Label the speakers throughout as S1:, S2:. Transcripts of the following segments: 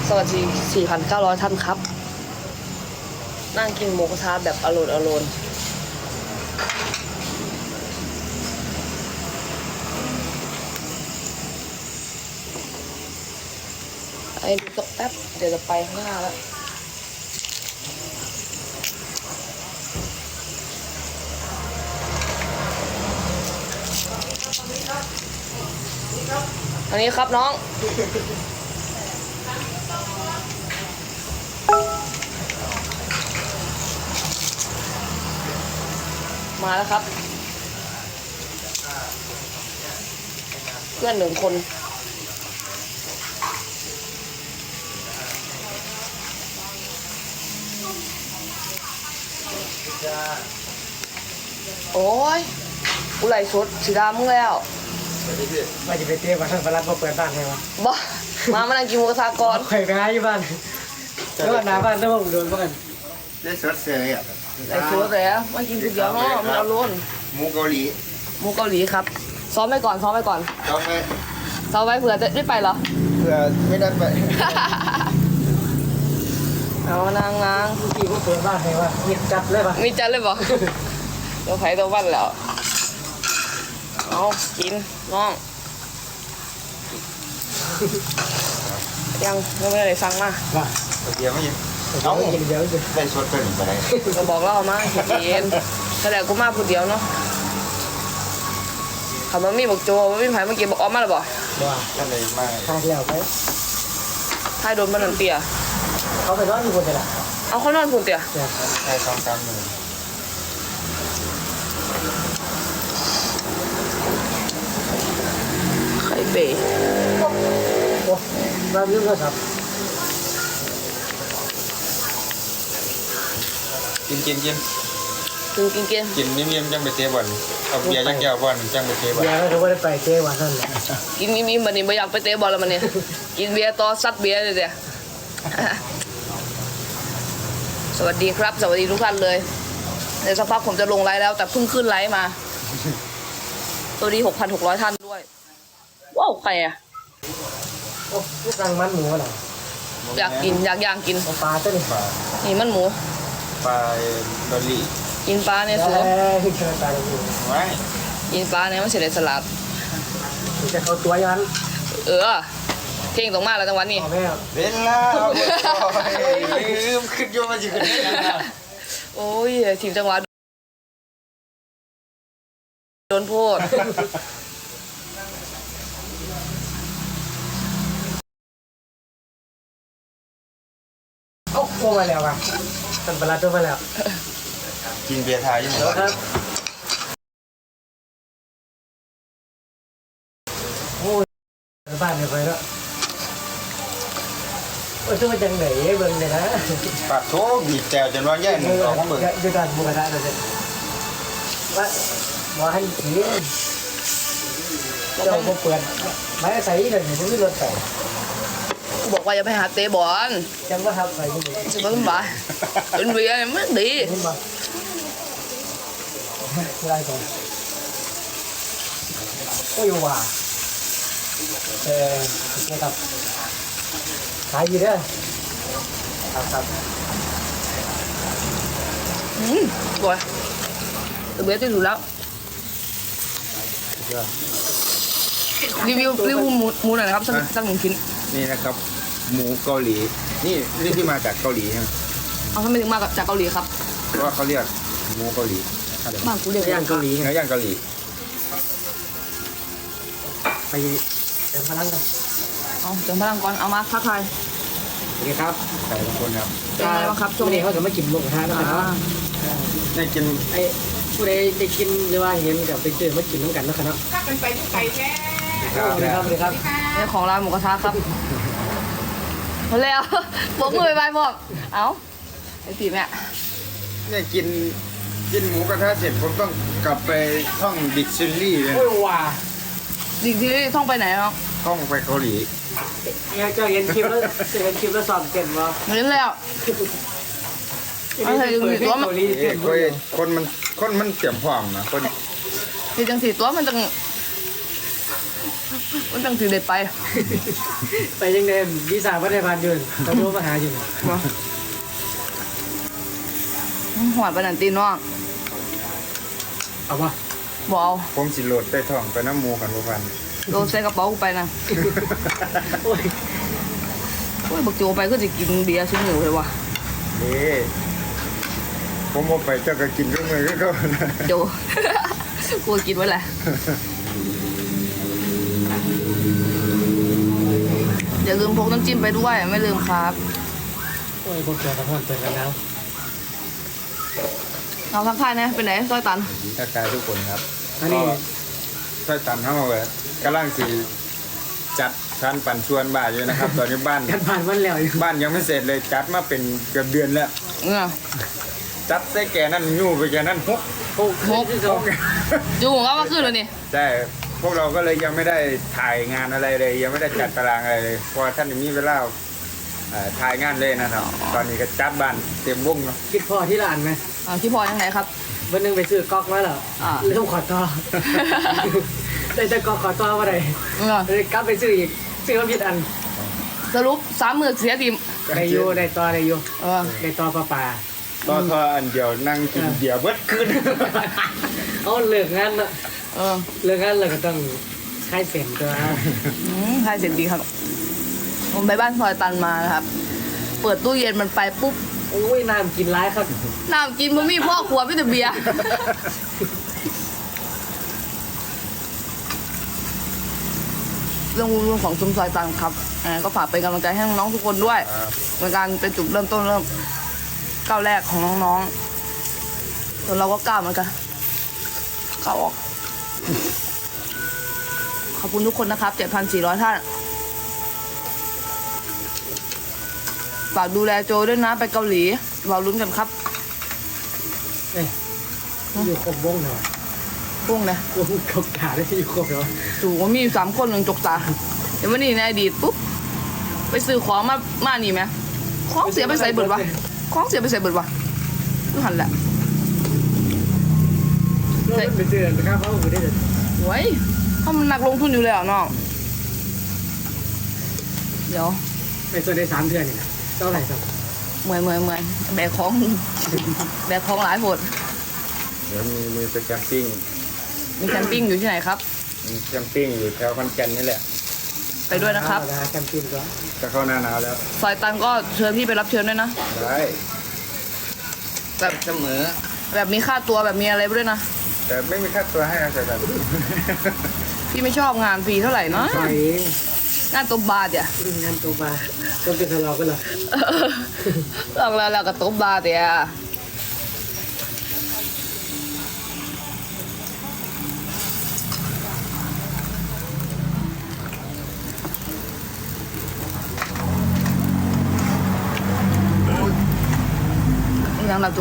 S1: สวัสดี 4,900 ท่านครับ นั่งกินหมูกระทะแบบอร่อยไอ้ดูสักแป๊บเดี๋ยวจะไปข้างหน้าแล้วอันนี้ครับน้องมาแล้วครับเพื่อน1 คนโอ้ยกูไหลชุดสีดำมึงแล้ว
S2: ว่าจะไปเตี้ยมาทั้งพลัดมาเปิดบ้านให้วะ
S1: บ้ามานั่งกินหมูกระทะก่อน
S2: ไข่ไปหาอยู่บ้านแล้วหน้าบ้านต้องโดนบ้าน
S3: ได้สดเสยอ่ะ
S1: ไหลชุดแต่มากินก๋วยเตี๋ยวเนาะมันเอาล้น
S3: หมูเกาหลี
S1: ครับซ้อมไปก่อน
S3: ซ้อมไว้
S1: เผื่อจะได้ไปเหรอ
S3: เผื่อไม่ได้ไป
S1: เอานาง
S2: พี่ก็เปิดบ้านให้วะมีจัดเลยปะ
S1: มีจัดเลยบ่ตัวไผ่ตัวบ้านแล้วเอากินน้องยังไม่ได้สั่งมา
S3: เดี๋ยวไม่ยิน
S2: เอากินเดี๋ยวจะ
S3: ได้สดเกินไปเลย
S1: ก็บอกเล่ามาเย็นแต่กูมาผู้เดียวเนาะเขามามีบอกโจมามีไผ่เมื่อกี้บอกออกมาหรือเปล่า
S3: ก็เลยมา
S2: ทายแล้วไป
S1: ทายโดนมันนั่นเตี้ย
S2: เขาไปนอนอยู่บนไหน
S1: เอาเขานอนคุณเตี้ย
S3: ใช่2-3 มื้อ
S1: ไข่เป๋
S2: โอ้บ้านยุ่งก็สับ
S3: กิน
S1: กินเ
S3: งียบๆจังไปเตะบอลเอาเบียร์จังแก้วบอลจังไปเตะบอล
S2: เบียร์เขาไม่ได้ไปเตะวันนั้น
S1: กินมีมันนี่ไม่อยากไปเตะบอลแล้วมันเนี่ยกินเบียร์ต่อซัดเบียร์เลยเดี๋ยสวัสดีครับสวัสดีทุกท่านเลยเดี๋ยวสักพักผมจะลงไลฟ์แล้วแต่เพิ่งขึ้นไลฟ์มาตัวดี 6,600 ท่านด้วยว้าวใครอ่ะ
S2: โอ้พวกรังมันหมูอะไร
S1: อยากย่างกิน
S2: ปลาตัวนี้
S1: นี่มันหมู
S3: ปลาดอลลี่
S1: กินปลาเนี่ยสิกินปลาเนี่ยมันเสร็จสลัด
S2: จะเข้าตัวยัน
S1: เก่งตรงมากแล้วจังหวะนี้
S3: เวลาลืมขึ้นโยมาจิขึ้น
S1: โอ้ยทีมจังหวะโดนโพด
S2: โอ้โหมาแล้วอ่ะตันปลาตัวมาแล้ว
S3: กินเบียร์ไทยอยู่หมด
S2: ครับโอ้ยบ้านเนี่ยไปแล้วโอ้ยตัวจังไหนเบิ่งเลยนะ
S3: ปากโถบีบแจวจนว่าแย่หนึ่งสองเบิ่ง
S2: จะการบุกได้เลยว่าให้ขี่เจ้าเปิดไม่ใส่เลยไม่รู้รถใส่
S1: กูบอกว่าอย่าไปหาเตะบอล
S2: จังว่าทำอะไรกู
S1: จะก็ต้องบ่ายเป็นเบียร์ไม่ดี
S2: อะไรก่อนโอ้ยว่านะครับขายอยู่เด้อครับ
S1: บ่อยตัวเบียร์ที่สุดแล้วรีวิวหมูหน่อยนะครับสัก1 ชิ้น
S3: นี่นะครับหมูเกาหลีนี่ที่มาจากเกาหลีใช่ไหม
S1: เอาทำไมถึงมาจากเกาหลีครับ
S3: เพราะว่าเขาเรียกหมูเกาหลี
S1: บ้านกูเรียก
S2: ย่างเกาหลี
S3: เนื้อย่างเกาหลี
S2: ไปเติมพลังกัน
S1: เติมพลังก่อนเอามาทักทาย
S2: โอเคครับ
S3: ใส่ทุกคนครับ
S1: เป็นไงบ้างครับช่วง
S2: นี้เขาจะไม่กินหมูกระทะนะครับ
S3: ได้กิน
S2: ไอ้ผู้ใดได้กินหรือว่าเห็นกับไปเจอมากินน้ำกันนะครับ
S4: ก็เป็นไปที่ไก่แท้
S2: สวัสดีครับ
S1: นี่ของร้านหมูกระทะครับมาแล้วผมมือไปบอกเอ้าไอ้ตีแม่
S3: เนี่ยกินหมูกระทะเสร็จผมต้องกลับไปท่องดิกชันนารีเลย
S2: โอ้ยว่า
S1: ดิกชันนารีท่องไปไหนครับ
S3: ท่องไปเกาหลี
S2: เจ้าเห็นคลิปแล้วสอบเก่งมั้ย
S1: เห็นแล้วเอาใส่ดึงสีตัวมัน
S3: คนมันเตรียมพร้อมนะคน
S1: สีจังสีตัวมันจังมันตั้งถือเด็ดไป
S2: ไปยังไงวีซ่าพัฒนาพันธ์อยู่เขาโทรมาหาอยู่
S1: หวานปนันตีน้อง
S2: เอาปะ
S1: บอกเอา
S3: ผมสิโหลดใต้ท้องไปน้ำหมูกันบ่พัน
S1: โดนใส่กระเป๋ากูไปนะ
S2: โอ้ย
S1: โอ้ยบักโจไปก็จะกินเบียร์ชิ้นหนึ่งเลยว่ะ
S3: นี่ผมบ่ไปเจ้าก็กินทุกมื้อคือเขานะ
S1: โจ กูกินไว้แหละอย่าลืมพกน้ำจิ้มไปด้วยไม่ลืมครับ
S2: โอ้ยพวกเจ้าตะพอนเจอกันแล้ว
S1: เราทักทายนะไปไหนซอยตัน
S3: ทักทายทุกคนครับ
S2: อันนี้
S3: ช่วยตันเฮาเลยกำลังสิจัดการปั่นชวนบ้านอยู่นะครับ ตอนนี้บ้าน
S2: กันผ่านวันแล้วอยู่
S3: บ้านยังไม่เสร็จเลยจัดมาเป็นเกือบเดือนแล้ว
S1: เนี่ย
S3: จัดใส่แกนั่นยู่ไปแกนั่นฮก
S2: โอ้โหคือเขา
S1: จูงก็มาขึ้นเลยนี่
S3: ใช่พวกเราก็เลยยังไม่ได้ถ่ายงานอะไรเลย ยังไม่ได้จัดตารางอะไรเลยเพราะว่าท่านมีเวลาถ่ายงานเลยนะครับ ตอนนี้ก็จัดบ้านเต็มวงเนาะ
S2: คิดพอที่ร้านไหม
S1: ที่พอยังไงครับ
S2: วันหนึงไปซื้อก๊อกมาเหรอ
S1: อ่า
S2: เริ่มขอต่อ ได้แต่ก๊อกขอต่อมาได้
S1: เนี่ย
S2: เลยกลับไปซื้ออีกซื้อมาผิดอัน
S1: สรุป3 มื้อเสียทีม
S2: ได้อยู่ได้ต่อได้อยู่ ได้ต่อปลาปลา
S3: ต่อทออันเดียวนั่งกินเบียร์เบิดคืน
S2: เอาเลิกงานละ
S1: เออ
S2: เลิกงานเราก็ต้องคลายเส้นตัว
S1: ใช่เสร็จดีครับ ผมไปบ้านซอยตันมานะครับ เปิดตู้เย็นมันไปปุ๊บ
S2: โอ้ยน้ำกินร้ายครับ
S1: น้ำกินมันมีพ่อครัวไม่แต่เบียร์ เรื่องของซุ้มซอยตันครับก็ฝากเป็นกำลังใจให้น้องๆทุกคนด้วยในการเป็นจุดเริ่มต้นก้าวแรกของน้องๆส่วนเราก็ก้าวเหมือนกันก้าวออก ขอบคุณทุกคนนะครับ 7,400 ท่าน ฝากดูแลโจด้วยนะไปเกาหลีเราลุ้นกันครับ
S2: เอ้ยอยู่ครบวงเหรอ
S1: พวกนะ
S2: วงครบขาได้อยู่ครบเหรอ
S1: ถูกว่ามีอยู่3 คนหนึ่งจกตาเดี๋ยววันนี้ในอดีตปุ๊บไปซื้อของมานี่ไหมของเสียไปใส่เบิดวะของเสียไปใส่เบิดวะดูหันแหละ
S2: เราไปเจอนะครับเขาไม่ได้เลย
S1: ไว้เขามันหนักลงทุนอยู่แล้วน้องเดี๋ยว
S2: ไปส่วนได้3 เดือนนี่นะเท่าไหร่ครับ
S1: เมื่อยแบกของ แบกของหลายโหด
S3: เดี๋ยวมีไปแคมปิ้ง
S1: มีแคมปิ้งอยู่ที่ไหนครับ
S3: มีแคมปิ้งอยู่แถวขอนแก่นนี่แหละ
S1: ไปด้วยนะครับ
S2: นะฮะแคมปิ้งก็
S3: จะเข้าหน้าหนาวแล้ว
S1: ซอยตันก็เชิญพี่ไปรับเชิญด้วยนะ
S3: ได้
S1: แบบ
S3: เสมอ
S1: แบบมีค่าตัวแบบมีอะไรไปด้วยนะ
S3: แต่ไม่มีค่าตัวให้นะแต่แบบ
S1: พี่ไม่ชอบงานฟรีเท่าไหร่เนาะ
S2: ไป
S1: งานตบบาทอ่ะ
S2: งานตัวบาต้องเป็นทะเลาะกันเหรอ
S1: ลองแล้วก็ตบบาทอ่ะยังละจู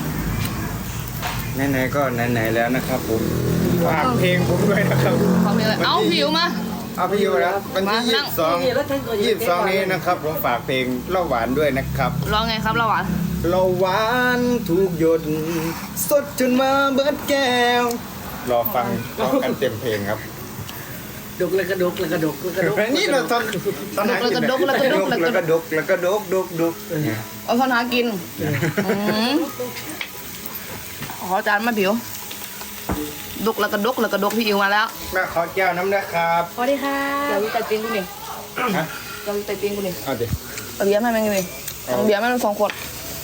S3: ไหนๆก็ไหนๆแล้วนะครับผมฝากเพลงผมด้วยนะครับ
S1: เขามีอะไรเอาผิวมา
S3: เอาพี่อยู่แล้ววันที่
S1: มานั่ง
S3: 22นี้นะครับผมฝากเพลงเล่าหวานด้วยนะครับ
S1: ร้องไงครับเราหวาน
S3: เราหวานทุกหยดสดจนมาเบิดแก้ว รอฟังร้องกันเต็มเพลงครับ
S2: ดุกแล้วก็ดุกแล้วก็ดุกแล้วก็ดุก
S3: นี่เราตอนแล้วก็ดกเนี่ย
S1: เอาทอนหากินขอจานมาผิวดกแล้วก็ดกพี่อิวมาแล้ว
S3: แม่ขอแก้วน้ำนะครับ
S1: สวัสดีค่ะเดี๋ยววิจัยปิ้งกูนี่
S3: ฮะ
S1: เดี๋ยววิจัยปิ้งกูนี่
S3: เอาดิ
S1: เอาเบียร์ให้แม่งเลยเอาเบียร์ให้มัน2 ขวด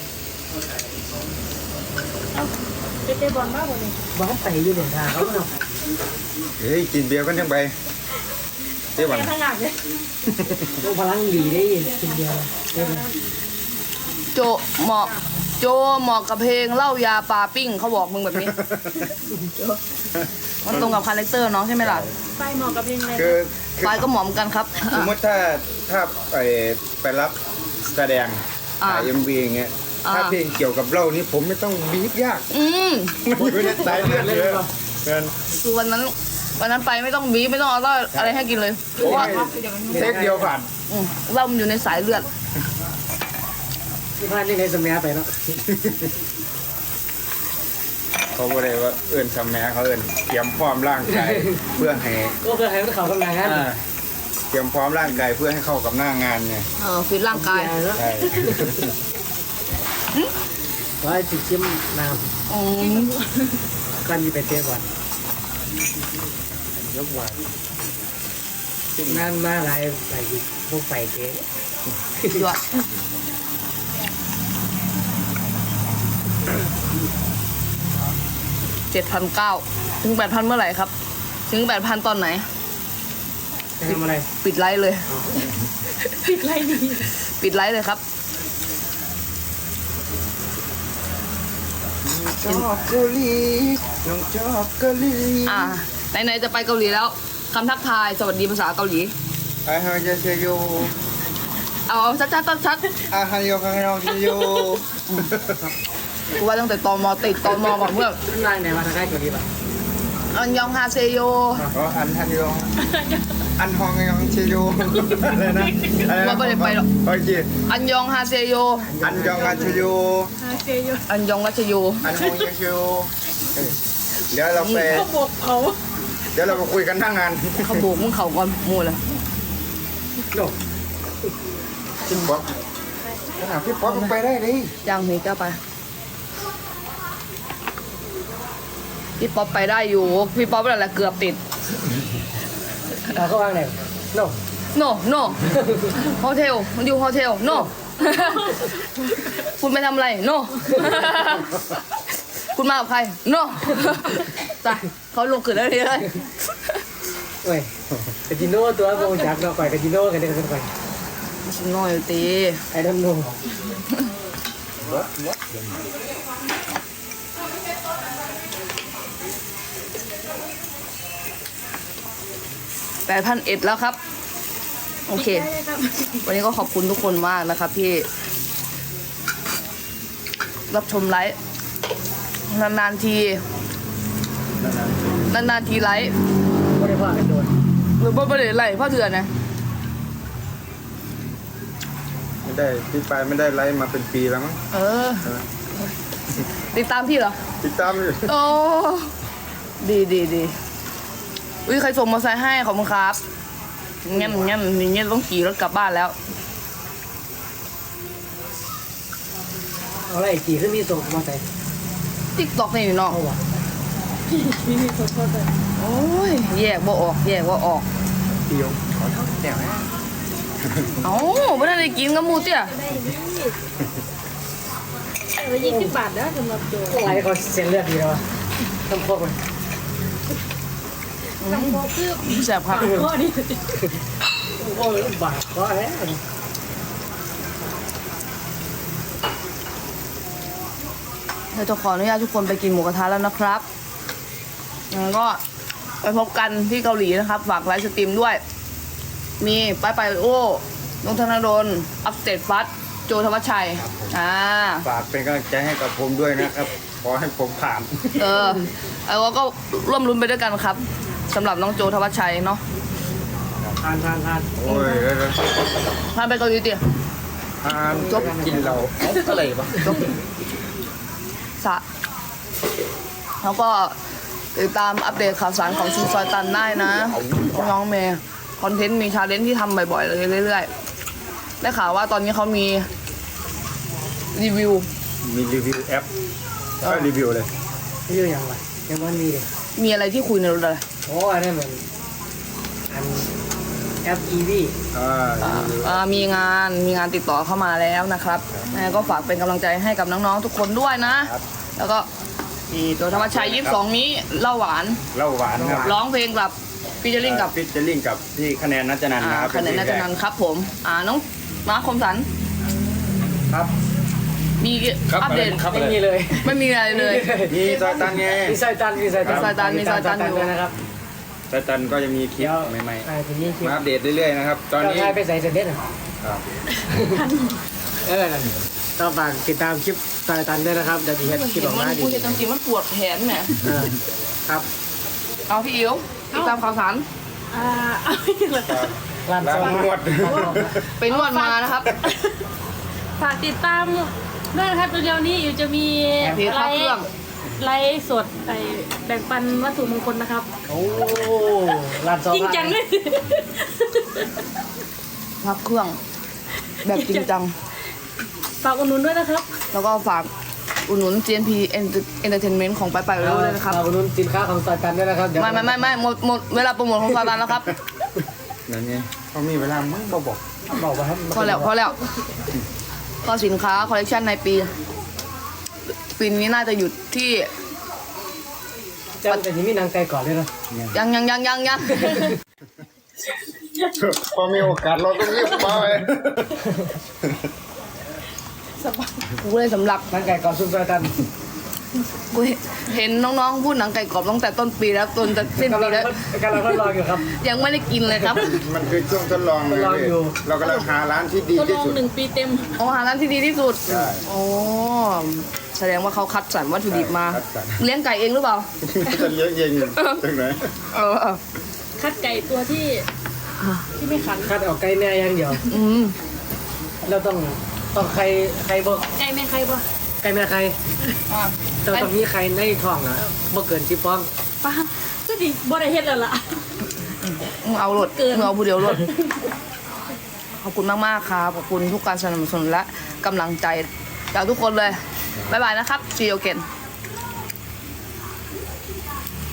S2: บ้านไปอยู่เนี่ยทางเขาเนาะ
S3: เฮ้ยกินเบียร์กันยังไปเจ๊วัน
S2: ต้องพลังดีได้กินเดียวได้ไหม
S1: โจเหมาะกับเพลงเหล้ายาปลาปิ้งเขาบอกมึงแบบนี้ มันตรงกับคาแรคเตอร์น้องใช่ไหมล่ะ
S4: ไปเหมาะกับเพลงอะไร
S3: คือ
S1: ปลายก็หมอมกันครับ
S3: สมมติถ้าไปรับแสดงถ่ายMVอย่างเงี้ยถ้าเพลงเกี่ยวกับเหล้านี่ผมไม่ต้องบีบยาก มันอยู่ในสายเลือดเลยเงิน
S1: คือวันนั้นไปไม่ต้องบีบไม่ต้องเอาเหล้าอะไรให้กินเลยเพราะว่า
S3: เทคเดียวผ่าน
S1: เหล้ามันอยู่ในสายเลือด
S2: ที่บ้านนี่ในสมัยไปเนาะ
S3: เขาบอกเลยว่าเอิญสมัยเขาเอิญเตรียมพร้อมร่างกายเพื่อให้
S2: ก็เพื่อให้เขากำลังงาน
S3: เตรียมพร้อมร่างกายเพื่อให้เข้ากับหน้างานเนี่ย
S1: ฟิตร่างกาย
S3: ใช่
S2: ว่าจิชิมน้
S1: อืม
S2: ำกันมีไปเตะบอล
S3: ยกว่า
S2: งานมาหลายพวกไปเตะ
S1: ยอด7,900ถึง 8,000 เมื่อไหร่ครับ ถึง 8,000 ตอนไหน
S2: จะทำอะไร
S1: ปิดไลฟ์เลย
S4: ปิดไรดี
S1: ปิดไลฟ์เลยครับ
S3: ชอบเกาหลีน้องชอบเกาหลี
S1: ไหนๆจะไปเกาหลีแล้วคำทักทายสวัสดีภาษาเกาหลี
S3: อาฮายาเซโย
S1: เอาชัด
S3: อาฮายาคังยองเซโย
S1: ๆกูว่าตั้งแต่ตมติดตมก่อนเพื่อน
S2: นายไหนมาทางใกล้ตัวนี้ป่ะ
S1: อันยองฮาเซโย
S3: อ๋ออันฮันยองอันฮองยองเซโยอะไรนะอะไรนะ
S1: ว่าไม่ได้ไปหรอก
S3: โอเค
S1: อันยองฮาเซโย
S3: อันยองอันเซโย
S4: ฮาเซโย
S1: อันยองรัชโย
S3: อันฮองยองเซโยเดี๋ยวเราไป
S4: เขาบอกเขา
S3: เดี๋ยวเราไปคุยกันทั้งงาน
S1: เขาโบกมึงเข่าก่อนมูเลย
S2: โน่
S3: พี่ป๊อปพี่ป๊อปไปได้ดิ
S1: ย่างนี้ก็ไปพี่ป๊อปไปได้อยู่พี่ป๊อปนั่นแหละเกือบติด
S2: เราก็วางไหนโน่
S1: no no โฮเทลมันอยู่โฮเทล no คุณไปทำอะไร no คุณมากับใคร no จ้ะเขาลงขึ้นแล้วเลย
S2: เว้ยกาจิโน่ตัวโมจักเราไปกาจิโน่กันเด็กกันไป
S1: ชิโน่อยู่ตี
S2: ไอ้ดำโน่
S1: 8,100แล้วครับ โอเค วันนี้ก็ขอบคุณทุกคนมากนะครับที่รับชมไลฟ์นานๆทีไลฟ์
S2: ไม่ได้ว่ากันโดน
S1: หรือว่าไม่ได้ไลฟ์เพราะเถื่อนนะ
S3: ไม่ได้พี่ไปไม่ได้ไลฟ์มาเป็นปีแล้วมั้ง
S1: เออ ติดตามพี่เหรอ
S3: ติดตามอยู่
S1: โอ้ดีอุ้ยใครส่งมอเตอร์ไซค์ให้ขอบคุณครับงั้นอย่างเงี้ยต้องขี่รถกลับบ้านแล้ว
S2: เอาอะไรกี่ขึ้นมีส่งมาใส่
S1: ติ๊กตอกนี่เนาะ
S2: เอาวะ
S4: มีขอโทษเลย
S1: โอ้ยแยกว่าออก
S3: เดียวขอโทษแต่ว่า
S1: เอ้าไม่ได้กินกับหมูเตี้ย
S4: ได้นี่แต่ละ20 บาทนะสำหรับโจ
S2: อะไรเขาเส้นเลือดดีแล้ววะต้องพกมัน
S4: ลำโพงคือ
S1: แสบครับ
S4: ข้อนี้
S2: โอ้ยบาดก็แฮะ
S1: เราจะขออนุญาตทุกคนไปกินหมูกระทะแล้วนะครับงั้นก็ไปพบกันที่เกาหลีนะครับ ฝากไลฟ์สตรีมด้วย มีไปโอ้นนทนดลอัปเดตฟัสโจธวัชชัย
S3: ฝากเป็นกำลังใจให้กับผมด้วยนะครับ ขอให้ผมผ่าน
S1: แล้วก็ร่วมรุ้นไปด้วยกันครับสำหรับน้องโจธวัชชัยเนาะ
S2: ทาน
S3: โอ้ย
S1: พาไปเกาหลีดิ
S3: ผ่านจบกินเราอะไรวะ
S1: จบสะแล้วก็ติดตามอัปเดตข่าวสารของชุมซอยตันได้นะน้องเมย์คอนเทนต์มีชาเลนจ์ที่ทำบ่อยๆเลยเรื่อยๆได้ข่าวว่าตอนนี้เขามีรีวิว
S3: มีรีวิวแอปก็รีวิวเลย
S2: นี่อยู่อย่างไรยังมันมีเลย
S1: มีอะไรที่คุยในรถอะไร
S2: โอ้อันนี้เหมือนอันแอป EV
S1: มีงานติดต่อเข้ามาแล้วนะครับก็ฝากเป็นกำลังใจให้กับน้องๆทุกคนด้วยนะ แล้วก็โจธวัชชัย22นี้เล่าหวาน
S3: เหล้าหวานครับ
S1: ร้องเพลงกับฟีเจอริ่งกับ
S3: ฟิชเจอริ่งกับพี่คะแนนนัจนันท์นะครับ
S1: คะแนนนัจนันท์ครับผมน้องมาร์คคมสัน
S2: ครับ
S1: มีอัปเดต
S2: ไม่มีเลย
S1: ไม่มีอะไรเลย
S3: มีซอยตันไง
S2: มีซอยตันอยู่
S1: มีซอยตันอยู่
S2: ด้วยนะครับ
S3: ซอยตันก็จะมีคลิปใหม่
S2: ทีนี้คลิ
S3: ๆ
S2: ป
S3: มาอัปเดตเรื่อยๆนะครับ ตอน
S2: เรา
S3: นี้
S2: ทายไปใส่เสร็จเด็ดอ่ะ
S3: ครับ
S2: ต้องฝากติดตามคลิปซอยตันด้วยนะครับเดี๋ยวจะเห็นคลิปออกมาดี
S1: พูดจริงๆมันปวดแขนแหม
S2: ครับ
S1: เอาพี่อิ๋วติดตามข่าวสาร
S4: เอาไม่ถึงเลย
S2: ร้าน
S3: ร้าน
S2: ซอย
S3: นวด
S1: ไปนวดมานะครับ
S4: ฝากติดตามด้วยนะครับเร็วๆนี้อยู่จะมี
S1: เพจ
S4: ไล
S1: พระเครื่อง
S4: ฟ์ไลฟ์สดแบ่งปันวัตถุมงคลนะครับ
S2: โอ้ร้านซอ
S4: จริงจังเลย
S1: พักเครื่องแบบจริงจัง
S4: ฝากอุดหนุนด้วยนะครับ
S1: แล้วก็ฝากอุดหนุน GNP Entertainment ของไปไว้ด้วยนะครับ
S2: ขอบคุณสินค้าของซอยกันด้วยนะครับเดี๋ยว
S1: ไม่หมดเวลาโปรโมทของซาตานแล้วครับ
S3: นั่นไงเขามีเวลามึงบอก
S2: บอกว่าให้
S1: พอแล้วก็สินค้าคอลเลคชันในปีนี้น่าจะหยุดที่
S2: เจ้าแต่ยังมีนางไก่ก่อนเลยนะ
S1: ยัง
S3: พอมีโอกาสเราต้องรีบมาเลย
S1: กูเลยสำหรับ
S2: นางไก่ก่อนซุปซอยกัน
S1: กูเห็นน้องๆพูดหนังไก่กรอบตั้งแต่ต้นปีแล้วจนจะสิ้น
S2: กำลั
S1: ปี
S2: ง
S1: แล้ว
S2: กำลังทดลองอยู่ครับ
S1: ยังไม่ได้กินเลยครับ
S3: มันคือช่วงทดลอง
S2: ทดลองอยู่
S3: เรากำลังหาร้านที่ดี
S4: ทดล
S3: ที่
S4: อง
S3: สุด
S4: 1 ปีเต็ม
S1: โอ้หาร้านที่ดีที่สุด
S3: ใช่
S1: โอ้แสดงว่าเขาคัดสรรวัตถุดิบมา
S3: คัดสรร
S1: เลี้ยงไก่เองหรือเปล่า
S3: จะเลี้ยงเองตรงไหน
S1: เออ
S4: คัดไก่ตัวที่ไม่ขัน
S2: คัดออกไก่แน่อย่างเดียว
S1: อืม
S2: เราต้องใครบ่
S4: ไก่แม่ใครบ่
S2: ไก่แม่ใคร
S1: อ่ะ
S2: แต่ต้องมีใครในท้องนะบ่เกิน10ฟอง
S4: ป้าก็ดีบ่ได้เฮ็ดแล้วล่ะ
S1: มึงเอารถ
S4: เกิน
S1: มึงเอาผู้เดียวรถขอบคุณมากๆครับขอบคุณทุกการสนับสนุนและกำลังใจจากทุกคนเลยบ๊ายบายนะครับ see you again